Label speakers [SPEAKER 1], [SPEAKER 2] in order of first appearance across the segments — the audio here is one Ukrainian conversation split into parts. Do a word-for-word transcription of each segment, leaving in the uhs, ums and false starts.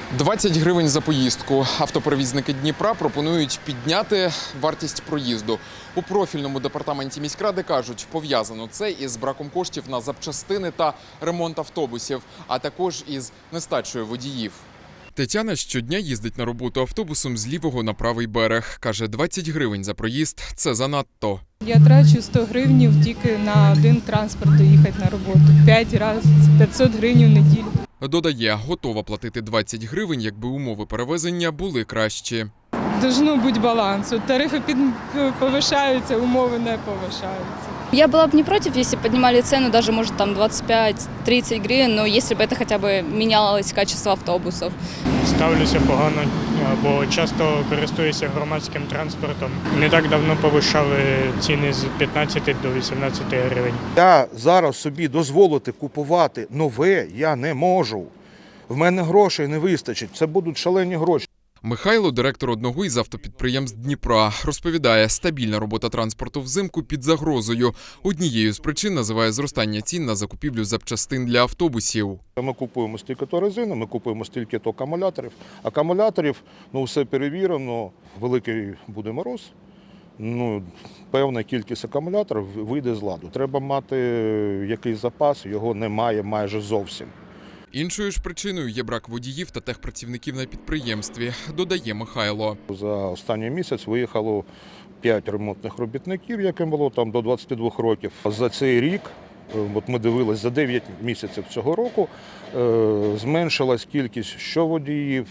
[SPEAKER 1] двадцять гривень за поїздку. Автоперевізники Дніпра пропонують підняти вартість проїзду. У профільному департаменті міськради кажуть, пов'язано це із браком коштів на запчастини та ремонт автобусів, а також із нестачею водіїв. Тетяна щодня їздить на роботу автобусом з лівого на правий берег. Каже, двадцять гривень за проїзд – це занадто.
[SPEAKER 2] Я трачу сто гривень тільки на один транспорт доїхати на роботу. п'ять разів, п'ятсот гривень в неділю.
[SPEAKER 1] Додає, готова платити двадцять гривень, якби умови перевезення були кращі.
[SPEAKER 2] Должно бути баланс. От тарифи під... повишаються, умови не повишаються.
[SPEAKER 3] Я была бы не против, если поднимали цену даже, может, там двадцать пять - тридцать гривен, но если бы это хотя бы менялось качество автобусов.
[SPEAKER 4] Ставлюся погано, бо часто користуюся громадським транспортом. Не так давно повишали ціни з п'ятнадцяти до вісімнадцяти гривень.
[SPEAKER 5] Я зараз собі дозволити купувати нове я не можу. В мене грошей не вистачить, це будуть шалені гроші.
[SPEAKER 1] Михайло, директор одного із автопідприємств Дніпра, розповідає, стабільна робота транспорту взимку під загрозою. Однією з причин називає зростання цін на закупівлю запчастин для автобусів.
[SPEAKER 5] Ми купуємо стільки-то резини, ми купуємо стільки-то акумуляторів. Акумуляторів, ну все перевірено, великий буде мороз. Ну, певна кількість акумуляторів вийде з ладу. Треба мати якийсь запас, його немає майже зовсім.
[SPEAKER 1] Іншою ж причиною є брак водіїв та техпрацівників на підприємстві, додає Михайло.
[SPEAKER 5] За останній місяць виїхало п'ять ремонтних робітників, яким було там до двадцяти двох років. За цей рік, от ми дивилися, за дев'ять місяців цього року, зменшилась кількість що водіїв,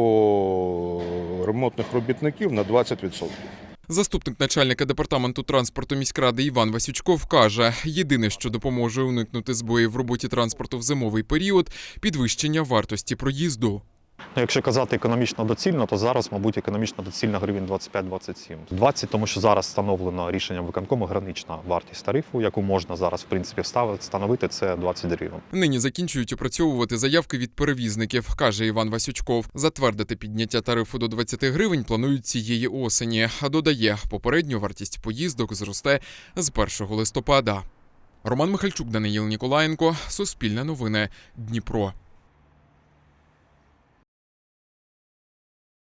[SPEAKER 5] що ремонтних робітників на двадцять відсотків.
[SPEAKER 1] Заступник начальника департаменту транспорту міськради Іван Васючков каже, єдине, що допоможе уникнути збоїв в роботі транспорту в зимовий період – підвищення вартості проїзду.
[SPEAKER 6] Якщо казати економічно доцільно, то зараз, мабуть, економічно доцільно гривень двадцять п'ять - двадцять сім. двадцять, тому що зараз встановлено рішенням виконкому гранична вартість тарифу, яку можна зараз, в принципі, встановити, це двадцять гривень.
[SPEAKER 1] Нині закінчують опрацьовувати заявки від перевізників, каже Іван Васючков. Затвердити підняття тарифу до двадцяти гривень планують цієї осені. А додає, попередньо вартість поїздок зросте з першого листопада. Роман Михальчук, Даниїл Ніколаєнко, Суспільне новини, Дніпро.